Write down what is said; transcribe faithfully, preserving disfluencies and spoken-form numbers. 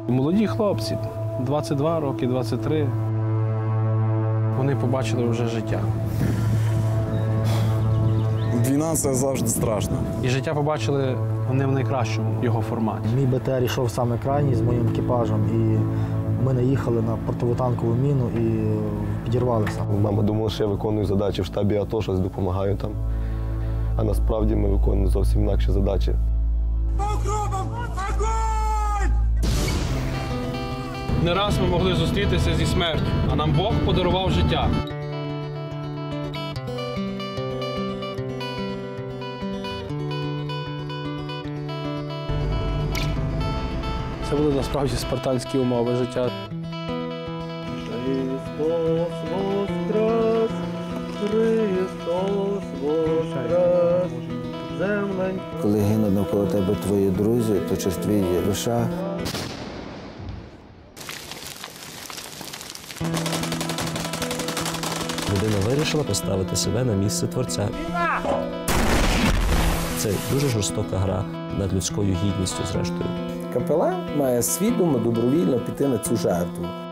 Молоді хлопці, двадцять два роки, двадцять три, вони побачили вже життя. Війна – це завжди страшно. І життя побачили вони в найкращому його форматі. Мій БТР йшов саме крайній з моїм екіпажем, і ми наїхали на противотанкову міну і підірвалися. Мама думала, що я виконую задачі в штабі АТО, щось допомагаю там. А насправді ми виконуємо зовсім інакші задачі. Не раз ми могли зустрітися зі смертю, а нам Бог подарував життя. Це були насправді спартанські умови життя. Христос воскрес, Христос воскрес, землень. Коли гинуть навколо тебе твої друзі, то чи ж твій душа. Людина вирішила поставити себе на місце Творця. Це дуже жорстока гра над людською гідністю, зрештою. Капелан має свідомо, добровільно піти на цю жертву.